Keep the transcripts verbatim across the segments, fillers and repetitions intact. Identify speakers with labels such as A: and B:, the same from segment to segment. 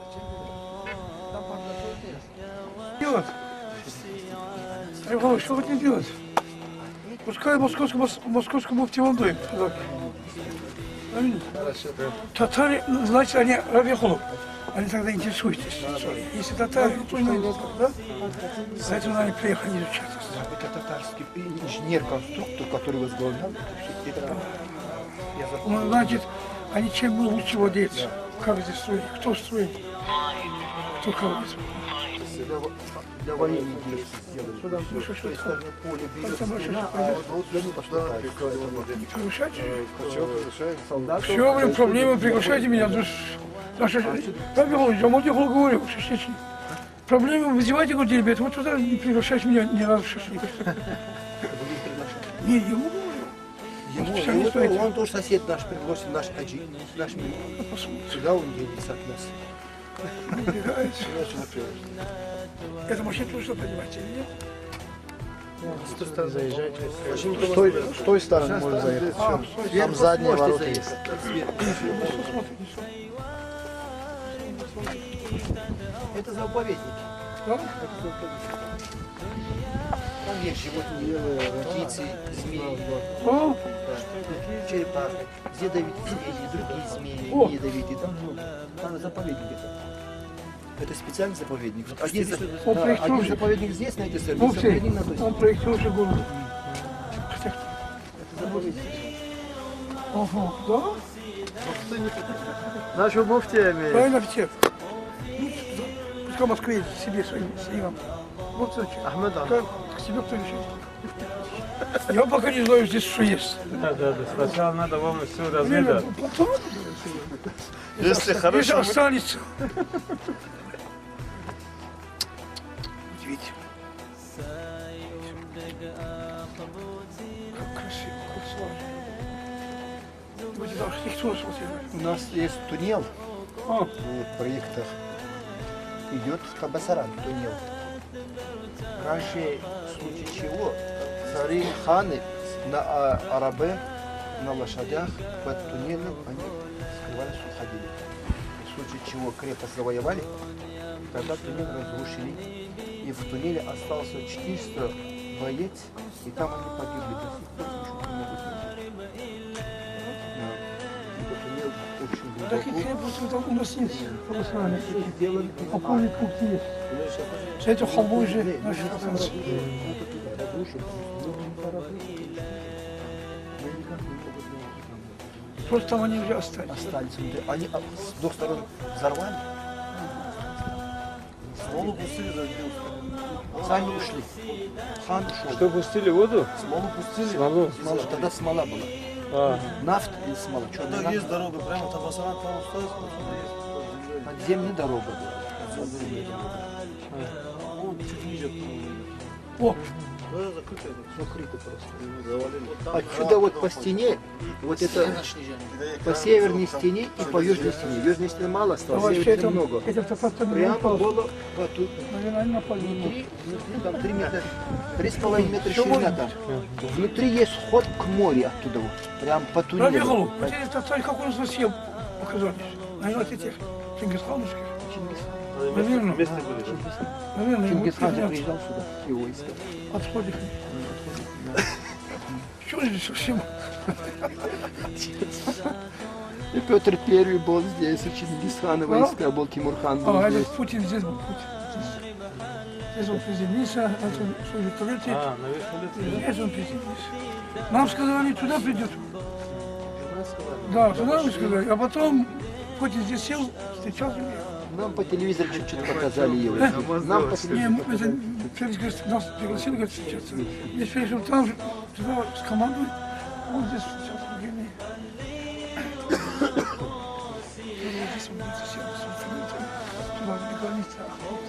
A: Делать? Рыбалов, что хотите делать? Пускай московскому, московскому муфтиванду. Татары, значит, они Рабихолов. Они тогда интересуются. Если татары, то не да? Поэтому они приехали изучать.
B: Это татарский инженер-конструктор, который возглавлял.
A: Ну, значит, они чем мы лучше владеют. Как здесь строить? Кто строит? Кто кого?
B: Для войны сделали. Сюда поле
A: Не приглашайте? Все, блин, проблемы, приглашайте меня. Я Мудихол говорю, шашлычник. Проблемы вызывайте, говорит, ребят, вот туда не приглашайте меня ни разу шашлык. Не, ему говорю.
B: Он тоже сосед наш пригласил, наш хаджи. Наш мир. Сюда он делится от нас.
A: Это машина тоже понимаете, или нет?
C: С той стороны заезжайте. С той, с той стороны можно заехать.
A: А,
C: Там задние ворота есть.
B: Это заповедник.
A: Да?
B: Там есть животные, птицы, змеи,
A: А?
B: черепахи, ядовитые змеи, другие змеи,
A: О!
B: не ядовитые. Там, там заповедник это. Это специальный заповедник. Один, за-
A: Он
B: да,
A: проектирует.
B: один заповедник здесь, на этой стороне,
A: Ну,
B: заповедник на той
A: все, он
B: стороне.
A: проектирует же город.
B: Это заповедник.
A: Ага, да?
C: Нашего муфтия имеет.
A: Правильно, все. Ну, пускай в Москве едет, к себе своим снимам. Вот зачем.
C: Ахмед, а?
A: Как к себе кто решит. Я пока не знаю здесь, что есть.
D: Да, да, да. Сначала надо вам все
A: Блин,
D: разведать.
A: потом,
D: Если
A: если
D: хорошо,
A: останется. Удивительно. Как красиво, как сложно. Вы сюда архитектуру смотрели?
B: У нас есть туннел
A: А,
B: в проектах. Идет в Табасаран туннел. Раньше, в случае чего, цари, ханы на а, арабе, на лошадях под туннелем они скрывались, уходили. В случае чего крепость завоевали, тогда туннель разрушили. И в туннеле остался четыреста боец, и там они погибли. До сих пор ничего не могут найти. Да. Ибо туннель очень
A: таких
B: глубоко.
A: крепостей там у нас есть. Православные.
B: Сделали.
A: Опорный пункт есть. За эту холму же наши пацанцы. Просто там они уже остались.
B: Остались. Они а, с двух сторон взорвали. Смолу пустили, сами ушли. Хан ушел.
D: что пустили воду?
B: Смолу пустили.
D: Смолу?
B: Смола. Тогда смола была.
D: А,
B: Нафта или смола? Черная нафта.
E: Есть дорога, прямо Табасаран, там осталось, отсюда есть.
B: Подземная дорога была.
E: Вон чуть ниже.
A: О,
E: Да, закрыто это.
B: Закрыто просто.
E: Завалили.
B: Отсюда вот по стене, вот это по северной стене и по южной стене. Южной стены мало осталось,
A: вообще
B: северной
A: это
B: много.
A: это просто не
B: Прямо
A: напал.
B: было по ту-
A: Наверное, они напали.
B: внутри, внутри там три метра, три с половиной метра ширина там. Внутри есть вход к морю оттуда вот, прям по туннелю.
A: Рабихолу, вот это царь, как у нас совсем оказались. Наверное, от этих Чингисхановских. Наверное,
D: вместе были.
A: наверное, ему
B: Чингисхан же
A: пятнадцать
B: приезжал сюда, его искал.
A: отходит. Что здесь совсем?
B: И Петр Первый был здесь, у Чингисхана войска был, Тимурхан был
A: А,
B: здесь.
A: этот Путин здесь был. Путин. Здесь он приземлился, это он служит в туалете.
D: А, на вертолете.
A: Здесь он приземлился. Нам сказали, туда придет. Да, туда мы сказали. А потом Путин здесь сел, встречал меня.
B: Нам по телевизору чуть-чуть показали его. Нам по
A: Не,
B: телевизору.
A: мы, это, Феликс говорит, нас пригласили, говорит, встречаться. Здесь Феликс, он там же, туда с командой, он здесь встречался с другими. Здесь он будет сел, туда граница.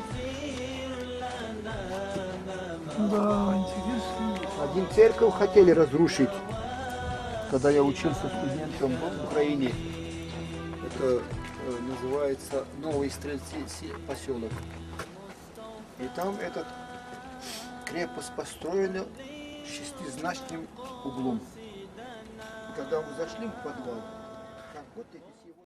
A: Да, интересно.
B: Один церковь хотели разрушить, когда я учился студентом в Украине. Это э, называется Новый Стрельцы Си- поселок. И там этот крепость построена шестизначным углом. И когда мы зашли в подвал, там вот эти